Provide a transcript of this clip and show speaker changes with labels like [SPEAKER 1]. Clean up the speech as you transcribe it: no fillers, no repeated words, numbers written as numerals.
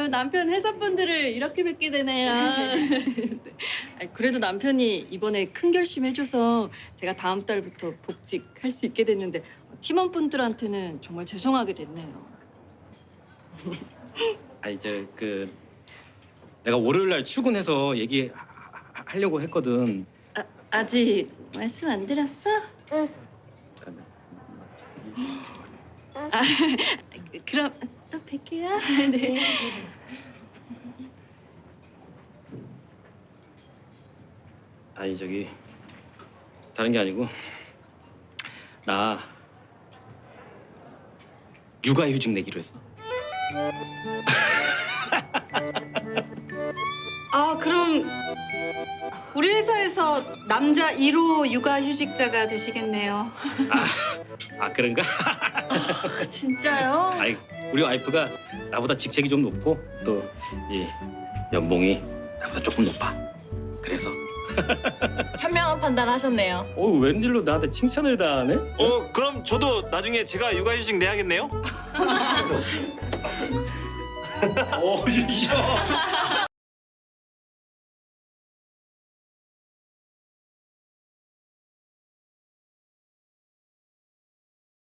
[SPEAKER 1] 아유, 남편 회사분들을 이렇게 뵙게 되네요. 아니, 그래도 남편이 이번에 큰 결심 해줘서 제가 다음 달부터 복직할 수 있게 됐는데 팀원분들한테는 정말 죄송하게 됐네요.
[SPEAKER 2] 아 이제 내가 월요일 날 출근해서 얘기하려고 했거든.
[SPEAKER 1] 아직 말씀 안 드렸어?
[SPEAKER 3] 응.
[SPEAKER 1] 아, 그럼 또 뵐게요. 네.
[SPEAKER 2] 아니 다른 게 아니고 나 육아휴직 내기로 했어.
[SPEAKER 4] 아, 그럼 우리 회사에서 남자 1호 육아휴직자가 되시겠네요.
[SPEAKER 2] 아 그런가?
[SPEAKER 1] 진짜요?
[SPEAKER 2] 아이 우리 와이프가 나보다 직책이 좀 높고 또 이 연봉이 나보다 조금 높아. 그래서
[SPEAKER 3] 현명한 판단하셨네요.
[SPEAKER 2] 웬일로 나한테 칭찬을 다 하네?
[SPEAKER 5] 그럼 저도 나중에 제가 육아휴직 내야겠네요?
[SPEAKER 2] 야.